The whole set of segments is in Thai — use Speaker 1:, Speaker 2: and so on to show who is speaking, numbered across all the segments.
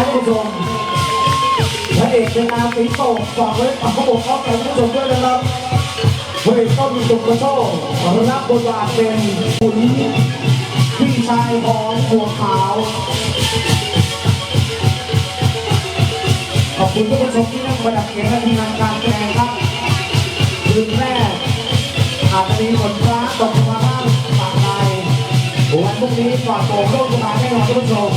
Speaker 1: านผู้ชมพระเอกเป็นอาตีโต้ฝากไว้ฝากเขาบอกเขาแก่ผู้ชมด้วยนะครับพระเอกก็มีสุขกระโชกรับบทบาทเป็นขุนพี่ชายของหัวขาวขอบคุณทุกผู้ชมที่นั่งประดับเกียรติและทีมงานการแสดงครับคืนแรกอาจจะมีฝนฟ้าตกมาบ้างปากใดวันพรุ่งนี้ก่อนโป่งโลกจะมาแน่นอนทุกผู้ชม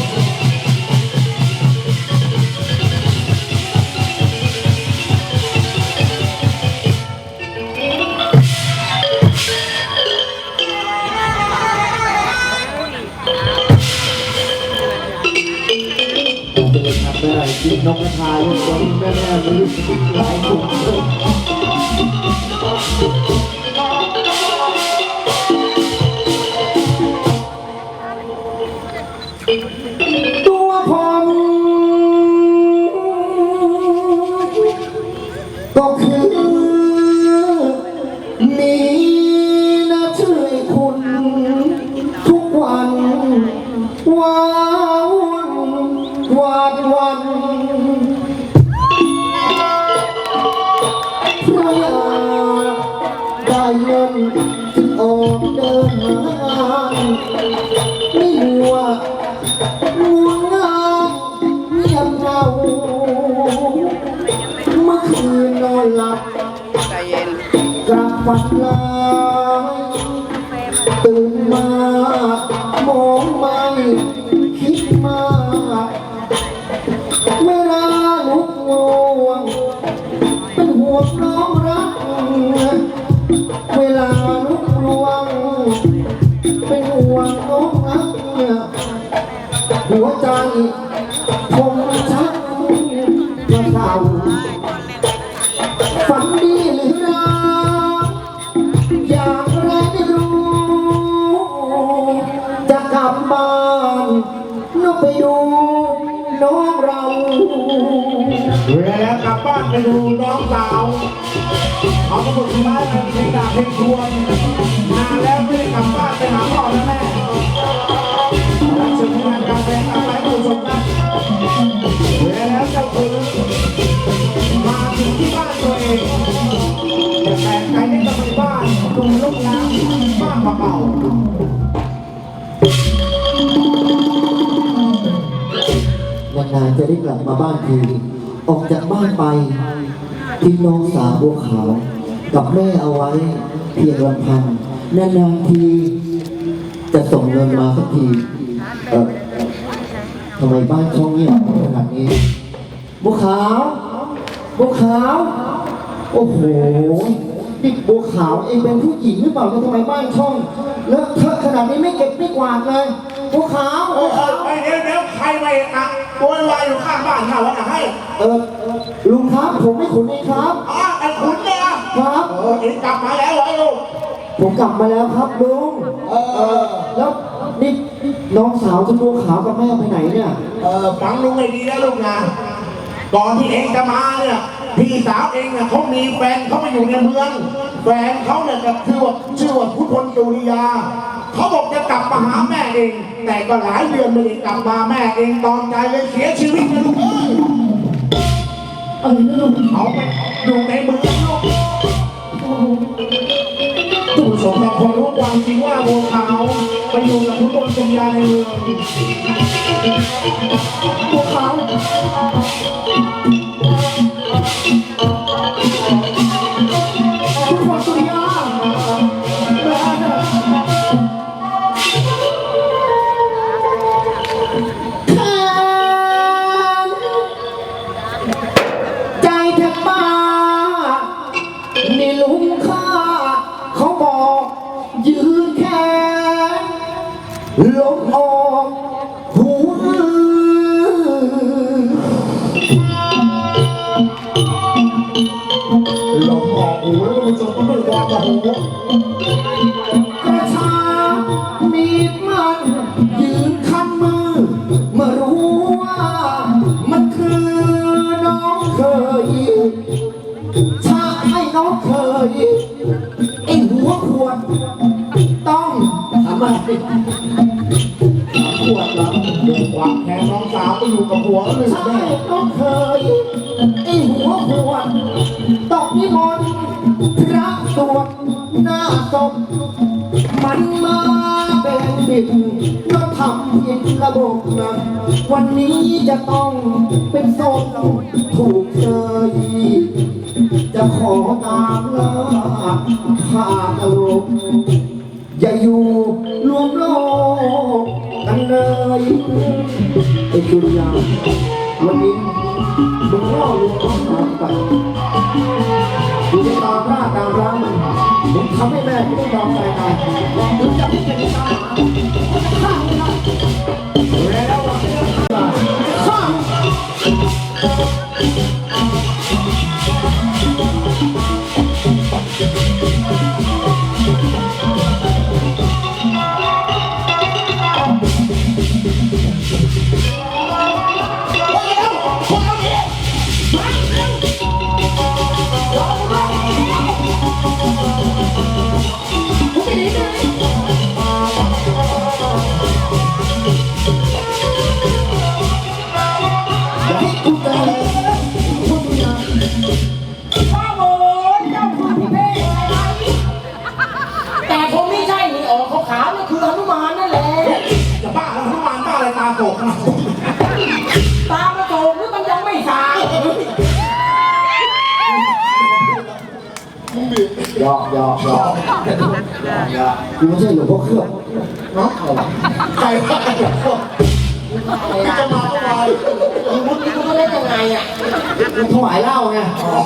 Speaker 1: แม่กินนกกระทาลูกคนแม่ไม่รู้หลายคนตัวผมก็คือมีนะช่วยคุณทุกวันว้าววันเพราะอยากได้เงินจึงออกเดินหาไม่รู้ว่าง่วงเหงาเงียบเหงาเมื่อคืนนอนหลับกลับฝันร้ายตื่นมามองไม่คิดมากเวลาลุกง่วงเป็นห่วงน้องรักเวลาลุกง่วงเป็นห่วงน้องรักหัวใจผมชักกระเซาฝันดีหรือร้ายอย่างไรไม่รู้จะกลับบ้านนกไปดูน้องเราแล้วกลับบ้านไปดูน้องสาวเขาก็บอกว่าเพลงดาบเพลงทวนนานแล้วไม่ได้กลับบ้านไปหาพ่อและแม่รับชมงานการแสดงอะไรผู้ชมนะแล้วเจ้าคือมาถึงที่บ้านตัวเองแต่ใครไม่กลับไปบ้านดูลูกน้ำบ้านเบาๆนานๆจะได้กลับมาบ้านทีออกจากบ้านไปทิ้งน้องสาวบัวขาวกับแม่เอาไว้เพียงลำพังนานๆทีจะส่งเงินมาสักทีทำไมบ้านช่องเงียบขนาดนี้บัวขาวบัวขาวโอ้โหนี่บัวขาวเองเป็นผู้หญิงหรือเปล่าทำไมบ้านช่องเลอะเทอะขนาดนี้ไม่เก็บไม่กวาดเลยบัวขาวเดี๋ยวใครมาอ่ะตัวลอยอยู่ข้างบ้านเขาวะให้ลุงครับผมไม่ขุนเองครับไอ้ขุนเนี่ยครับเองกลับมาแล้วเหรอลูกผมกลับมาแล้วครับลุงแล้วนี่น้องสาวจะบัวขาวกับแม่ไปไหนเนี่ยฟังลุงให้ดีนะลูกนะก่อนที่เองจะมาเนี่ยพี่สาวเองเนี่ยเขามีแฟนเขาไปอยู่ในเมืองแฟนเขาเนี่ยก็ชื่อว่าพุทธนจุริยาเขาบอกจะกลับมาหาแม่เองแต่ก็หลายเดือนไม่ได้กลับมาแม่เองตอนใจเลยเสียชีวิตนะลูกลูกเขาไปอยู่ในเมืองลูกผู้ชมบางคนรู้ความจริงว่าบัวขาวไปอยู่กับพุทธนจุริยาในเมืองบัวขาวลมออกหูลมออกหูแล้วมันจะต้องวางกับหูกระชากมีดมันยืนคันมือมารู้ว่ามันคือน้องเคยใช่น้องเคยไอ้หัวขวดต้องทำไมขวดแล้วเดินขวางแขนน้องสาวไปอยู่กับผั
Speaker 2: หัวหนึ่ง
Speaker 1: ใช่ก็เคยไอ้หัวปวดตกนิมนต์พระสวดหน้าศพมันมาเป็นบิดก็ทำผิดระบบนะวันนี้จะต้องเป็นศพถูกเชยจะขอตามล่าหากโลกอย่าอยู่รวมโลกกันเลยไอ้จุลยาวันนี้มึงล่อลวงเอาตามไปดูในตามร่าตามร้านมึงทำให้แม่กูต้องยอมใจตายมึงจะไม่เป็นตาฆ่ามึงนะแล้วฆ่า
Speaker 3: แต่ผมไม่ใช่นี่ออกขาวๆนี่คือหนุมานนั่นแหละ
Speaker 2: จะบ้าแล้วทุกวันบ้าอะไรตาโกกนะ
Speaker 3: ตามมาโตหรือมันยังไม่สาย
Speaker 1: หยอกกูไม่ใช่หลวงพ่อเครือบ
Speaker 2: เนาะใครบ้าจะมาก็มา
Speaker 3: มึงนี่กูเล่นยังไงอ่ะ
Speaker 1: กูถวายเหล้าไง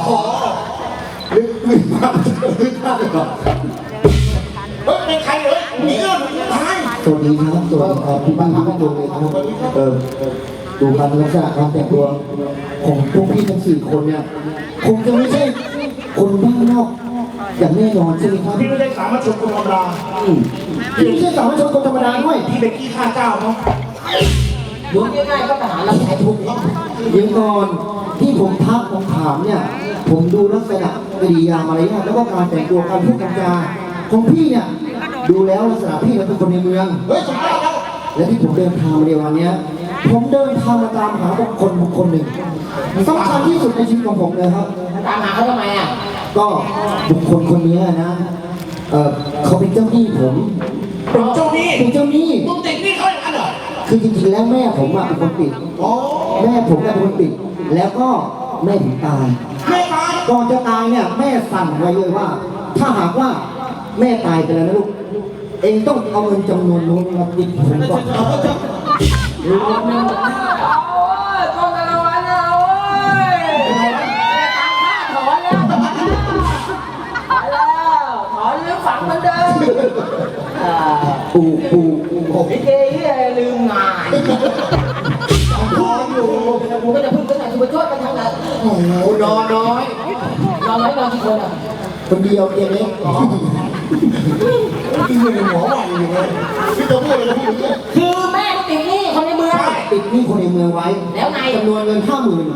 Speaker 1: ลึกมากลึกมากเลยก่อน
Speaker 2: เฮ้ยเป็นใครเลยหนีเงินตาย
Speaker 1: สวัสดีครับสวัสดีครับพี่บ้านพี่บ้านดูเลยครับดูการลักษณะการแต่งตัวของพวกพี่ทั้งสี่คนเนี่ยคงจะไม่ใช่คนบ้านนอกอย่างแน่นอนใช่ไหมครับ
Speaker 2: พี่ไม่ได้สามารถชมคนธรรมดา
Speaker 1: พี่ไม่ใช่สามัญชนคนธรรมดาด้วย
Speaker 2: พี่เป็นขี้ข้าเจ้าเนาะ
Speaker 3: ดูง่ายๆก็ทหารรับใช้ทุกข์
Speaker 1: เดี๋ยวก่อนที่ผมทักผมถามเนี่ยผมดูลักษณะกริยามารยาทแล้วก็การแต่งตัวการพูดการจาของพี่เนี่ยดูแล้วลักษณะพี่เป็นคนในเมือง
Speaker 2: เฮ้ยสมได้แล้ว
Speaker 1: และที่ผมเดินทางมาในวันเนี้ยผมเดินทางมาตามหาบุคคลหนึ่งสำคัญที่สุดในชีวิตของผมเลยครับ
Speaker 3: ตามหาเขาทำไมอ่ะ
Speaker 1: ก็บุคคลคนนี้นะเขาเป็นเจ้าหนี้ผม
Speaker 2: เป็นเจ้าหนี้
Speaker 1: เป็นเจ้าหนี้
Speaker 2: มึงติดหนี้เขาอย่างนั้นเหรอ
Speaker 1: คือจริงๆแล้วแม่ผมอะเป็นคนปิด
Speaker 2: อ๋อ
Speaker 1: แม่ผมเป็นคนปิด แล้วก็แม่ผมตาย
Speaker 2: ไม่ตาย
Speaker 1: ก่อนจะตายเนี่ยแม่สั่งไว้เลยว่า ถ้าหากว่าแม่ตายไปแล้วนะลูกเองต้องเอาเงินจำนวนนู้นมาปิดผมก่อน
Speaker 3: โอ้ยต้นละวันนะโอ้ยตามค่าถอนแล้วถอนหรือฝังเหมือนเดิม
Speaker 1: ปู
Speaker 3: ลิเกที่ลืมงานพูดอยู่กูก็จะพึ่งกันไหนกูไปช่วยกันทางไหน
Speaker 1: โอ้โหนอนน้อย
Speaker 3: นอนไหมนอนกี่คนอ่ะ
Speaker 1: คนเดียวเองเล็ก
Speaker 2: พี่อยู่ในหัวใหม่อยู่เลยพี่จะพูดอะไรพี่เนี่ย
Speaker 3: คือแม่ติดหนี้คนในเมือง
Speaker 1: ปิดหนี้คนในเมืองไว้
Speaker 3: แล้วไง
Speaker 1: จำนวนเงิน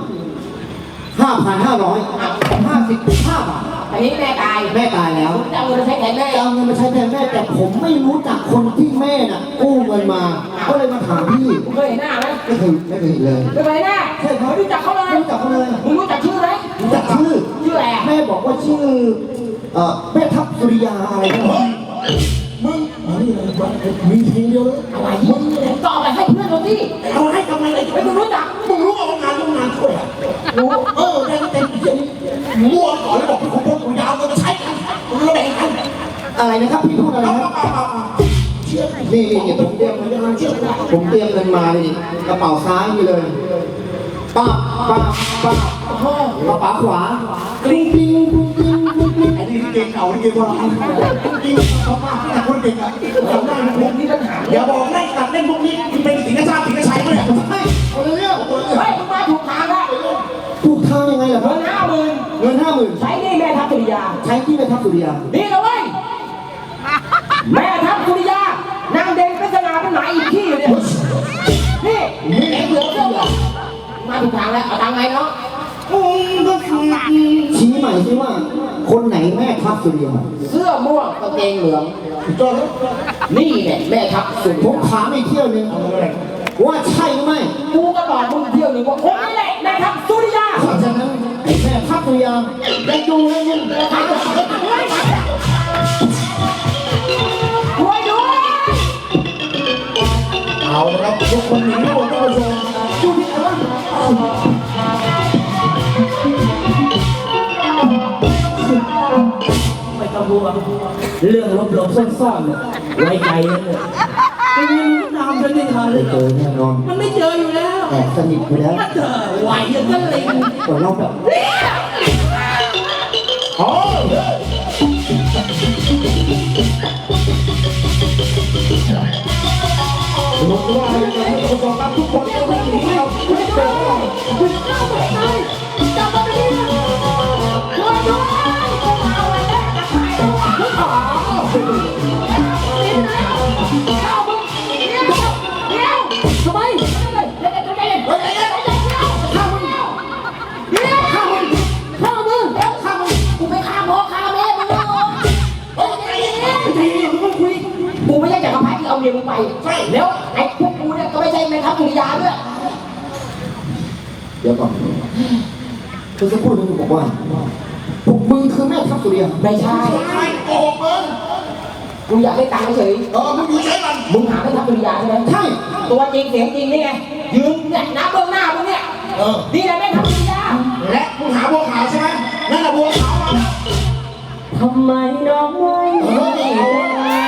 Speaker 1: 55,555 บาท
Speaker 3: อันนี้แม่ตาย
Speaker 1: แม่ตายแล้ว
Speaker 3: จะเอาเงินไปใช้แทนแม่
Speaker 1: จะเอาเงินมาใช้แทนแม่แต่ผมไม่รู้จักคนที่แม่น่ะกู้เงินมา ก็เลยมาถามพี่
Speaker 3: มึงเคยเห็นหน้าไหม
Speaker 1: ไม่เคยเห็นเลย
Speaker 3: ไม่เคยเห็นหน้าไม่รู้จักเขาเลย
Speaker 1: ไม่รู้จักเขาเลย
Speaker 3: มึงรู้จักชื่อไหม
Speaker 1: รู้จักชื่อ
Speaker 3: ชื่ออะไรอ่ะ
Speaker 1: แม่บอกว่าชื่อแม่ทัพสุริยาอะไรเนี่ย
Speaker 2: มึงมีทีเดียวเลย
Speaker 3: อะไรมึงตอบไปให้เพื่อนเราสิ
Speaker 2: เอาให้ทำไมเลย
Speaker 3: ไม่มึงรู้จัก
Speaker 2: มึงรู้ว่างานช่วยอะรู้ได้เต็มที่มั่วก่อนแล้วบอกพี่ผมผมยาวจะใช้กันมึงระแบ่งกัน
Speaker 1: อะไรนะครับพี่พูดอะไรครับ
Speaker 2: เชื่อ
Speaker 1: นี่ผมเตรียมเงินมานี่กระเป๋าซ้ายนี่เลยป้าป้ากระเป๋าขวาปิ้งปิ้งปิ้งปิ้งปิ้งปิ้ง
Speaker 2: ไอ้นี่เก่งเก่านี่เก่งกว่าเราจริงเขามากที่คนเก่งอ่ะทำได้นะพวกนี้ปัญหาอย่าบอกเล่นตัดเล่นพวกนี้เป็นสิงห์ชาติสิงห์ชัยมั้ยเนี่ยไม่คนละเรื่องคนละเรื่อง
Speaker 3: เฮ้ยมึงมาถูกทางแล้ว
Speaker 1: ถูกทางยังไงล่ะค
Speaker 3: เงิ
Speaker 1: รับ
Speaker 3: น50,000
Speaker 1: เงิน50,000
Speaker 3: ใช้หนี่แม่ทัพสุริยา
Speaker 1: ใช้ที่แม่ทัพสุริยา
Speaker 3: นี่นะเว้ยแม่ทัพสุริยานางเด่นเป็นสง่าเป็นหมาอีกที่อยู่เนี่ยนี่เอ็งเหลือเชื่อมาถูกทางแล้วเอาตังค์ไงเนาะ
Speaker 1: ชี้ใหม่สิว่าคนไหนแม่ทัพสุริยา
Speaker 3: เสื้อม่วงกางเกงเหลือง
Speaker 2: จอดแล้ว
Speaker 3: นี่เนี่ยแม่ทัพสุริ
Speaker 1: ผ
Speaker 3: ยาม
Speaker 1: ถามอีกเที่ยวนึงว่าใช่หรือไม่
Speaker 3: กูก็บอกมึงเที่ยวหนึ่งว่าคนนี้แหละแม่ทัพสุริยา
Speaker 1: เพราะฉะนั้นไอ้แม่ทัพสุริยาได้ดูแล้วมึง
Speaker 3: ช่วยด้วย
Speaker 2: เอาละครับทุกคนหนีหมดท่านผู้ชมดูที่ไหนวะ
Speaker 3: ไม่ต้องกลัวเรื่องลบๆซ่อนๆเนี่ยไว้ใจนะเนี่ยไอ้นี่มันตามฉันไม่ทันเลย
Speaker 1: เจอแน่นอน
Speaker 3: มันไม่เจออยู่แล้ว
Speaker 1: แอบสนิทไปแล้ว
Speaker 3: ถ้าเจอไหวอย่างนั้นเลย
Speaker 1: ก่อนเราแบบ
Speaker 2: อ๋อลงว่าอะไรกันท่านผู้ชมครับทุกคนต้องวิ่งหนีเราไม่เจอเรา
Speaker 3: กูไม่ใช่จักรพรรดิที่เอาเมียมึงไปแล้วไอ้พวกกูเนี่ยก็ไม่ใช่แม่ทัพสุริยาด้วย
Speaker 1: เดี๋ยวก่อนคือจะพูดมึงบอกว่าพวกมึงคือแม่ทัพสุริยา
Speaker 3: ไม่ใช่
Speaker 2: ใครโกหกมึง
Speaker 3: กูอยากได้ตังค์เฉย
Speaker 2: มึงอยู่ใช้มัน
Speaker 3: มึงหาแม่ทัพสุริยาใช่ไหม
Speaker 1: ใช่
Speaker 3: ตัวจริงเสียงจริงนี่ไงยืนเนี่ยน้ำเบื้องหน้ามึงเนี่ยนี่แหละแม่ทัพสุริยา
Speaker 2: และมึงหาบัวขาวใช่ไหมนั่นแหละบัวขาวมาแล้ว
Speaker 3: ทำไมน้องไม่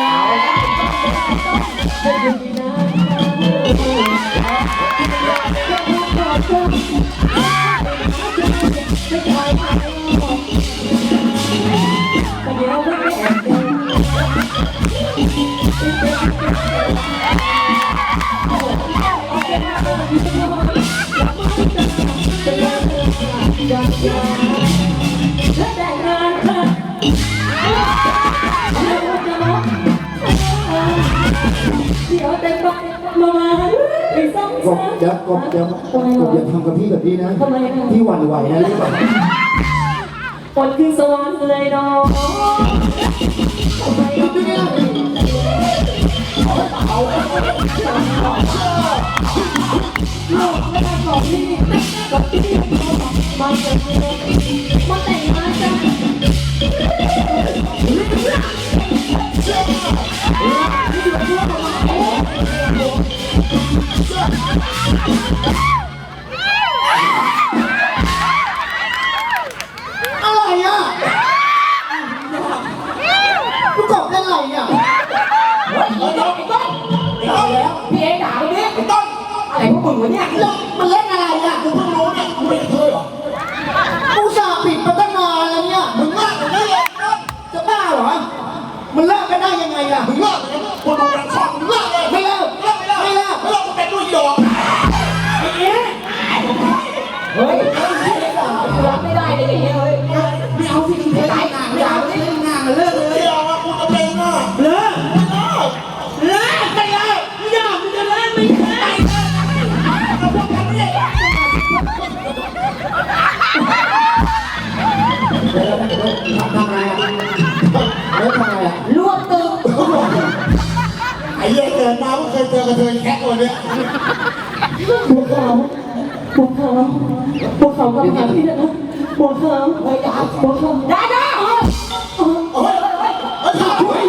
Speaker 1: กบอย่ากบอย่าทำกับพี่แบบนี้นะพี่หวั่นไหวนะรู้ป่ะ
Speaker 4: ปนขึ้นสวรรค์เลยน้องมาแต่งงานกัน
Speaker 1: อะไรอ่ะลูกกบเล่นอะไรเนี่ย
Speaker 3: เฮ้ยไอ้ต้นแล้วพี่เองด่าตรงนี้
Speaker 2: ไอ้ต้น
Speaker 3: อะไรพวกมึงวะเนี่ย
Speaker 1: แล้วมันเล่นอะไรอ่ะ
Speaker 2: กูเพิ่งรู้เนี่ยกูไม่เคยเหรอ
Speaker 1: กูสาปิดมาตั้งนานแล้วเนี่ย
Speaker 2: มึงเลิกกันได้เลยต้น
Speaker 1: จะบ้าเหรอมันเลิกกันได้ยังไงล่ะ
Speaker 2: มึงเลิกเลยคนดูรังช่องมึงเลิกเลย
Speaker 1: ไม่เลิก
Speaker 2: เลิกไม่เลิก
Speaker 1: ไม่เลิก
Speaker 2: ไม่เลิกกูเป็นด้วยดอก
Speaker 3: เฮ้ยรับไม่ได้เลยอย่างเงี้ยเฮ้ย
Speaker 2: ไม่เอาที่มึงเคย
Speaker 3: ตายหนาไม่ด่าไม่ได้
Speaker 2: งานมันเลิกเลยไม่เอาอะกูจะเป็นอ่ะเลิกเลิกไปเลยไม่ยอมมึงจะเลิกไม่ได้เราพวกกันไม่ได้
Speaker 1: ทำอะไรอ่ะแล้วทำอะไรอ่ะ
Speaker 3: รวบตึง
Speaker 2: ไอ้เหี้ยเกิดมาไม่เคยเจอกระเทยแคะตัวเนี้ย
Speaker 4: บัวขาวบัวขาวบัวขาวกับหาพี่นะบัวขาว
Speaker 3: เฮ้ยด่า
Speaker 4: บัวขาว
Speaker 3: ด่าด่าเฮ้ย
Speaker 2: เฮ้ยช่วย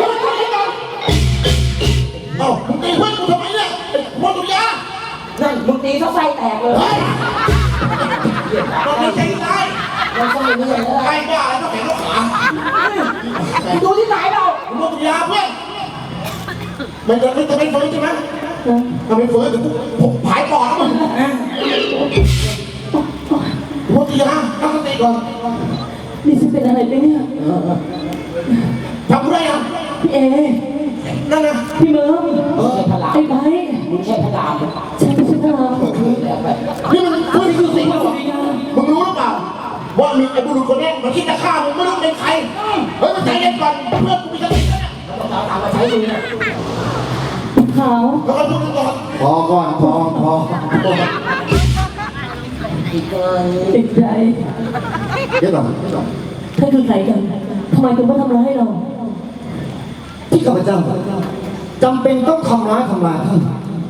Speaker 2: เอ้ามึงตีเพื่อนกูทำไมเนี่ยมอตุยา
Speaker 3: นั่นมึงตีเขาไส้แตกเลย
Speaker 2: เฮ้ยตอนนี้ใจตาย
Speaker 3: เราไส้เรื่อยเลย
Speaker 2: ใครบ้าอะไรต้องเห็นลูกขา
Speaker 3: ดูที่ไหนเรา
Speaker 2: มอตุยาเพื่อนมันจะไม่ฟื้นใช่ไหมถ้าไม่ฟื้นเดี๋ยวกูผายปอดแล้วมึงมอตุยาตั้งสติก่อน
Speaker 4: นี่ฉันเป็นอะไรไปเนี่ย
Speaker 2: ทำกูได้ยัง
Speaker 4: พี่เอ
Speaker 2: นั่นนะ
Speaker 4: พี่เมิร์ฟ
Speaker 3: ไม่ใช่พลาม
Speaker 4: ไอ้ไบ
Speaker 3: มึงใช่พลาม
Speaker 4: ฉันไม่ใช่พลัง
Speaker 3: แล้วไป
Speaker 2: นี่มันคือสิ่งที่
Speaker 4: สุริยา
Speaker 2: มึงรู้หรือเปล่าว่ามีไอ้บุรุษคนนี้มันคิดจะฆ่ามึงไม่รู้เป็นใครเฮ้ยมันใจเย็นก่อนเพื่อนกูมีสตินะ
Speaker 3: เราตามมาใช้ดูนะ
Speaker 4: ขาว
Speaker 2: แล้วก็พูดก่อน
Speaker 1: พอก่อนพอ
Speaker 3: อีกเกิน
Speaker 4: ติดใจ
Speaker 1: เดี๋ยวก่อน
Speaker 4: ท่านคือใครกันทำไมถึงมาทำร้ายเรา
Speaker 1: ที่ข้าพเจ้าจำเป็นต้องทำร้ายท่าน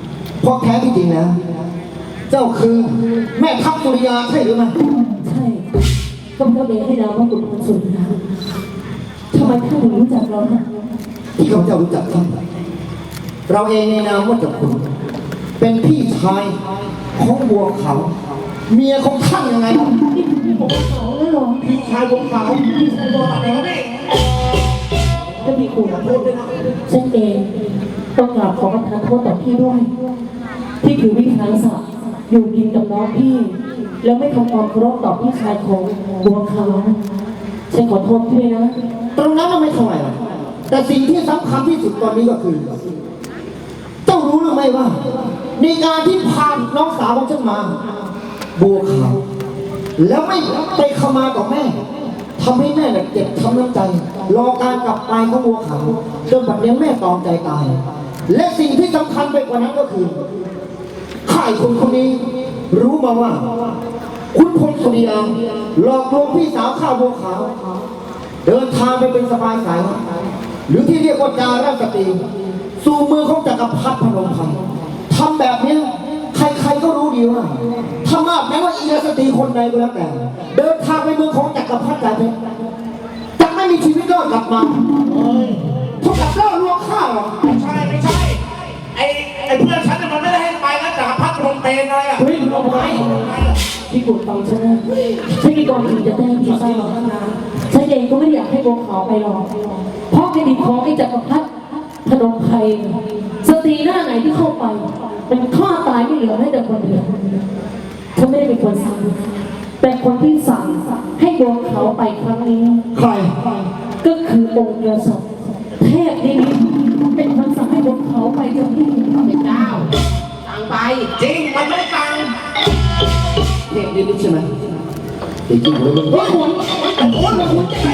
Speaker 1: เพราะแท้ที่จริงแล้วเจ้าคือแม่ทัพสุริยาใช่หรือไม่
Speaker 4: ใช่ก็เพราะเองให้นามว่าขุนพลสุริยาทำไมท่านถึงรู้จักเราฮะ
Speaker 1: ที่ข้าพเจ้ารู้จักท่านเราเองในนามว่าจักรคุณเป็นพี่ชายของบัวเขาเมียของท่านยังไงครับ
Speaker 4: นี่คือผมสองแล้วเหรอ
Speaker 2: พี่ชายบนเขาพี่ชายบนเขาเนี่ย
Speaker 4: ถ้ามีคุณ
Speaker 2: พูดด้วยนะ
Speaker 4: ฉันเองต้องกราบขอประทานโทษต่อพี่ด้วย ที่ถือวิธีศักดิ์อยู่กินกับน้องพี่ แล้วไม่ทำความเคารพต่อพี่ชายของบัวขาวฉันขอโทษพี่นะ
Speaker 1: ตรงนั้นมันไม่เท่าไหร่หรอกแต่สิ่งที่สำคัญที่สุดตอนนี้ก็คือ เจ้ารู้หรือไม่ว่า ในการที่พาน้องสาวของฉันมา บัวขาวแล้วไม่ไปขมาต่อแม่ทำให้แม่เนี่ยเจ็บช้ำน้ำใจ รอการกลับไปของบัวขาวจนบัดนี้แม่ตอมใจตาย และสิ่งที่สำคัญไปกว่านั้นก็คือข่ายคนคนนี้ รู้มาว่า คุณพลสุริยาหลอกลวงพี่สาวข้าบัวขาว เดินทางไปเป็นสบายสายหรือที่เรียกว่าจาราสตรีสู่มือของจักรพรรดิพนมไพรทำแบบนี้ใครๆก็รู้ดีว่าถ้ามากแม้ว่าอีราสตรีคนใดก็แล้วแต่ เดินทางไปเมืองของจักรพรรดิใจเพชรจะไม่มีชีวิตรอดกลับมาเท่ากับล่อลวงข้าหรอ
Speaker 2: ไม่ใช่ไม่ใช่ไอ้เพื่อนฉันเนี่ยมันไม่ได้ให้ไปนะจากพัดลมเปนอะไรอ่ะ
Speaker 4: เฮ้ยเอาไว้พี่กุดฟังฉันนะฉันมีความจริงจะแจ้งพี่ทราบฉันเองก็ไม่อยากให้บัวขาวไปหรอกเพราะแผ่นดินของไอ้จักรพรรดิพนมไพรสตรีหน้าไหนที่เข้าไปเป็นฆ่าตายไม่เหลือให้แต่คนเดียวฉันไม่ได้เป็นคนสั่งแต่คนที่สั่งให้บัวขาวไปครั้งนี้
Speaker 1: ใคร
Speaker 4: ก็คือองค์กษัตริย์เทพนิมิตเป็นคนสั่งให้บัวขาวไปจากที่
Speaker 3: เป็นเจ้าสั่งไป
Speaker 2: จริงมันไม่ได้ตังค์
Speaker 1: เทพนิมิตใช่ไหมเด็กจริงเลยมึง
Speaker 4: ว่าหวน
Speaker 2: แต่โอนมาคุณจะไง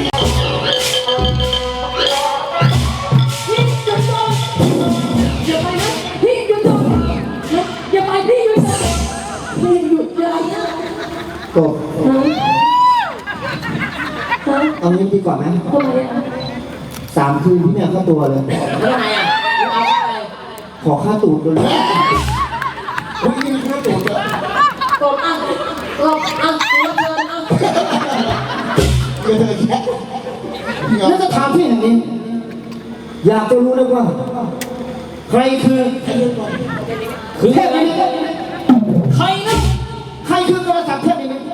Speaker 4: พี่หยุดก่อนอย่าไปนะพี่หยุดก่อนอย่าไปพี่หยุดก่อนพี่หยุดอย่านะ
Speaker 1: ก็
Speaker 4: ฮะฮะ
Speaker 1: เอางี้ดีกว่าไหม
Speaker 4: ทำไมอ่ะ
Speaker 1: 3 คืนพี่แม่ค่าตัวเลย
Speaker 3: แล้วไงอ่ะมึงเอาอะไร
Speaker 1: ขอค่าตูดด้วย
Speaker 2: คุณกินข้าวตุ๋นเหรอก
Speaker 3: ดอ่ะกดอ่ะตัวเกินอ่ะ
Speaker 2: เยอะแยะ
Speaker 1: แล้วสถานที่แห่งนี้ อยากจะรู้เลยว่า ใครคือเทพนิมิต
Speaker 4: ใครนะ
Speaker 1: ใครคือกษัตริย์เทพนิมิต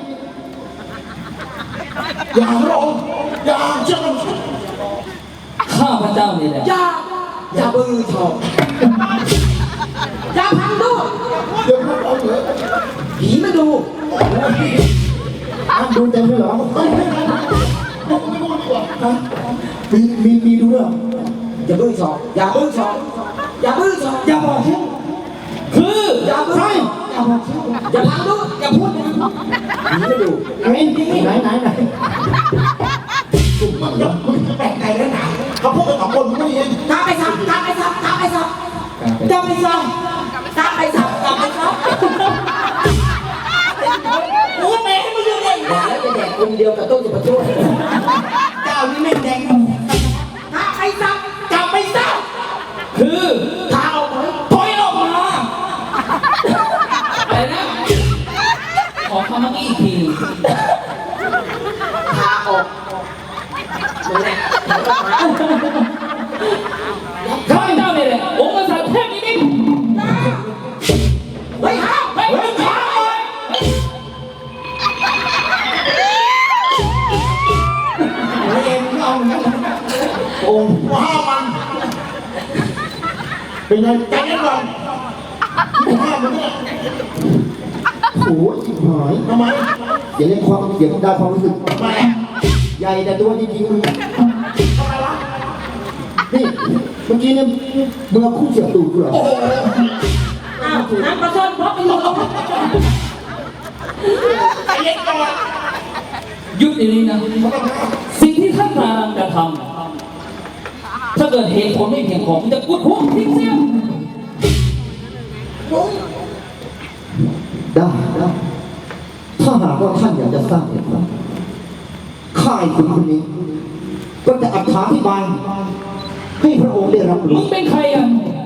Speaker 2: อย่าร้องอย่าเชื่อมัน
Speaker 5: ข้าพเจ้านี่แหละ
Speaker 3: อย่าบือชอบอย่าพังดู
Speaker 2: เดี๋ยวพูดเอาเหรอ
Speaker 3: ผีมาดู
Speaker 1: อ้าวดูเต็มเลยเหรอ
Speaker 2: ผมไม่พูดดีกว่า
Speaker 1: ฮะมีดูด้วยเหรอ
Speaker 3: อย่าบือชอบอย่าบือชอบอย่าบือชอบ
Speaker 1: อย่าบอกชื่อ
Speaker 5: คือ
Speaker 3: อย่าบือ
Speaker 1: ใคร
Speaker 3: อย่าพังดูอย่าพูดนะผีมาดู
Speaker 1: ไหน
Speaker 2: มันจะมึงแปลกใจแล้วนะเขาพูดกัน2 คนมึงไม่เห็น
Speaker 3: กลับไปซับกลับไปซับกลับไปซับกลับไปซับกลับไปซับกลับไปซับโอ้แม่ให้มึงเรื่องอะไรแล้วจะแดกคนเดียวกับต้นจะมาช่วยเจ้านี่ไม่แดงกลับไปซับกลับไปซับ
Speaker 5: คือ
Speaker 3: พาออกมา
Speaker 5: ถอยออกมาอะไรนะ ขอคำเมื่อกี้อีกที
Speaker 3: พาออกนั่นแหละพาออกมา
Speaker 5: ข้าพเจ้านี่แหละองค์กษัตริย์เทพนิมิต
Speaker 3: เฮ้ยห้าม
Speaker 5: เฮ้ยมึงข้าเลย
Speaker 2: ไม่เองไม่เอาอย่างนั้นองค์ว้ามัน
Speaker 1: เป็นไง
Speaker 2: ใจเย็นก่อนห้ามมันเนี่ย
Speaker 1: โอ้ยจิ๋หาย
Speaker 2: ทำไม
Speaker 1: อย่าเล่นความเสียงดังความรู้สึก
Speaker 2: ทำไม
Speaker 1: ใหญ่แต่ตัวจริงๆมึง
Speaker 2: ทำไมวะ
Speaker 1: นี่เมื่อกี้เนี่ยมึงเอาคู่เสียบตูดกูเหรอ
Speaker 4: อ้าวน้ำปลาส้มเพราะเป็นลม
Speaker 2: ใจเย็นก่อน
Speaker 5: หยุดเดี๋ยวนี้นะ สิ่งที่ท่านกำลังจะทำถ้าเกิดเหตุผลไม่เพียงพอมันจะกุดหัวทิ้งเสีย
Speaker 1: ได้ถ้าหากว่าท่านอยากจะสร้างเหตุผลข้าไอ้คุณคนนี้ ก็จะอธิบายให้พระองค์ได้รับ
Speaker 5: มึ
Speaker 1: รู้
Speaker 5: งเป็นใครอ่ะ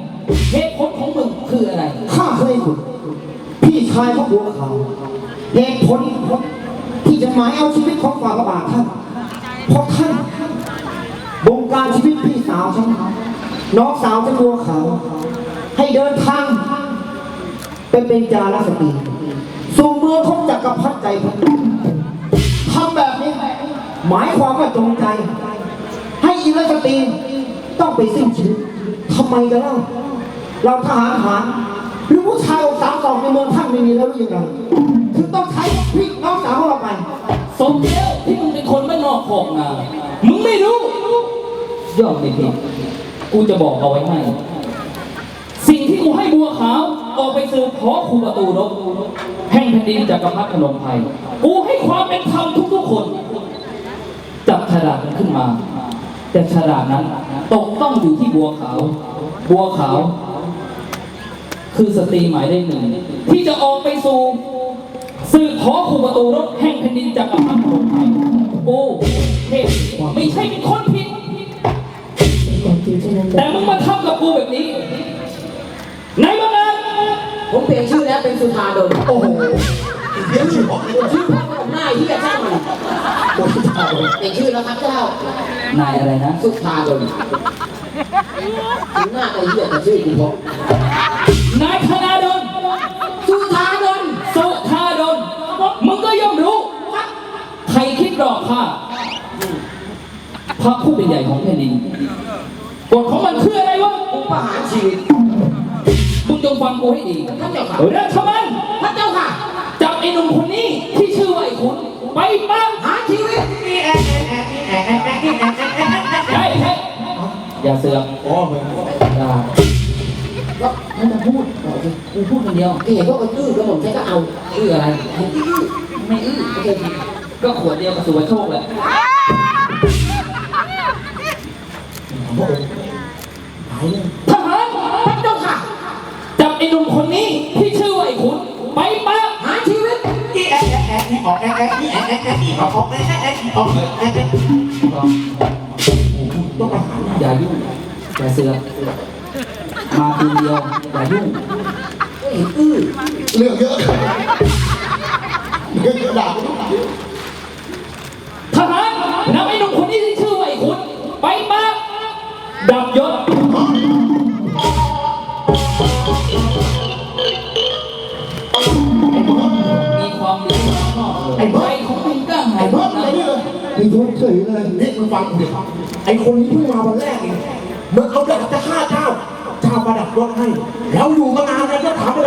Speaker 5: เหตุผลของมึงคืออะไร
Speaker 1: ข้าเคยขุดพี่ชายของบัวขาวเหตุผลที่จะหมายเอาชีวิตของฝ่าพระบาทท่านเพราะท่านบงการชีวิตพี่สาวฉันน้องสาวฉันบัวขาวให้เดินทางไปเป็นจาราสตรีสู่เมืองของจักรพรรดิใจพันทำแบบนี้หมายความว่าจงใจ ให้อิรสตรีต้องไปสิ้นชีวิตทำไมกันเล่าเราทหารหารหรือผู้ชายอกสามศอกในเมืองท่านไม่มีแล้วหรือยังไงถึงต้องใช้พี่น้องสาวของเราไป
Speaker 5: สมแล้วที่มึงเป็นคนบ้านนอกขอกนามึงไม่รู้ย่อมไม่ผิดกูจะบอกเอาไว้ให้ สิ่งที่กูให้บัวขาวออกไปสืบขอคูประตูรบแห่งแผ่นดินจักรพรรดิพนมไพรกูให้ความเป็นธรรมทุกๆคน จับฉลากนั้นขึ้นมา แต่ฉลากนั้นตกต้องอยู่ที่บัวขาว บัวขาว คือสตรีหมายเลขหนึ่งที่จะออกไปสู่สืบขอคูประตูรบแห่งแผ่นดินจักรพรรดิพนมไพรโอ้เทพไม่ใช่เป็นคนผิด
Speaker 4: ความจริงเช่นนั้น
Speaker 5: แต่มึงมาทำกับกูแบบนี้ไหนบ้างนะ
Speaker 3: ผมเปลี่ยนชื่อแล้วเป็นสุธาดล
Speaker 2: โอ้โหเดี๋ยวชื่อบอกเลย
Speaker 3: ชื่อพ่อผมหน้าที่จะช่างมันเปลี่ยนชื่อแล้วครับเจ้าน
Speaker 5: ายอะไรนะ
Speaker 3: สุธาดลถึงหน้าไอ้เหี้ยแต่ชื่อกูพบ
Speaker 5: นายธนาดล
Speaker 3: สุธาดล
Speaker 5: สุธาดลมึงก็ย่อมรู้ ใครคิดหลอกข้าพระผู้เป็นใหญ่ของแผ่นดินกฎของมันคืออะไรวะ
Speaker 3: กูประหารชีวิต
Speaker 5: มึงจงฟังกูให้ดี
Speaker 3: พระเจ้าค่ะ
Speaker 5: ราชมัน
Speaker 3: พระเจ้าค่ะ
Speaker 5: จับไอ้หนุ่มคนนี้ที่ชื่อว่าไอ้ขุนไปปั้ง
Speaker 3: หารชีวิต
Speaker 5: ใช่ใช่อย่าเสือก
Speaker 2: อ๋อมึง
Speaker 5: อย่าก็ให้มาพูดบอกสิกูพูดคนเดียว
Speaker 3: เห็นว่ามันอื้อก็ผมใช้ก็เอา
Speaker 5: อื้ออะไรไม่อื้อโอเคก็ขวดเดียวกับสุวรรณโชคแหละ ทหาร
Speaker 3: พระเจ้าค่ะ
Speaker 5: จับไอ้หนุ่มคนนี้ที่ชื่อว่าไอ้ขุนไปปั้ง
Speaker 3: หารชีวิต
Speaker 2: ออกต้องมาหา
Speaker 5: อย่ายุ่งอย่าเสือกมาคืนเดียวอย่ายุ่ง
Speaker 3: ก็เห็นอื้อ
Speaker 2: เรื่องเยอะเรื่องเยอะด่า
Speaker 5: ทหารนำไอ้หนุ่มคนนี้ที่ชื่อว่าไอ้ขุนไปปั้งดับยศมีความดีมากๆไอ้ใบของมึงกล้าหา
Speaker 2: ไอ้
Speaker 5: ย
Speaker 2: เบิร์ด
Speaker 5: นะ
Speaker 2: อะไรนี่เลย
Speaker 1: มีทุกข์เฉยเลย
Speaker 2: นี่มึงฟังกูดิไอ้คนนี้เพิ่งมาวันแรกเองมึงเอาดาบจะฆ่าเจ้าประดับยศให้แล้วอยู่มานานแล้วก็ถามไป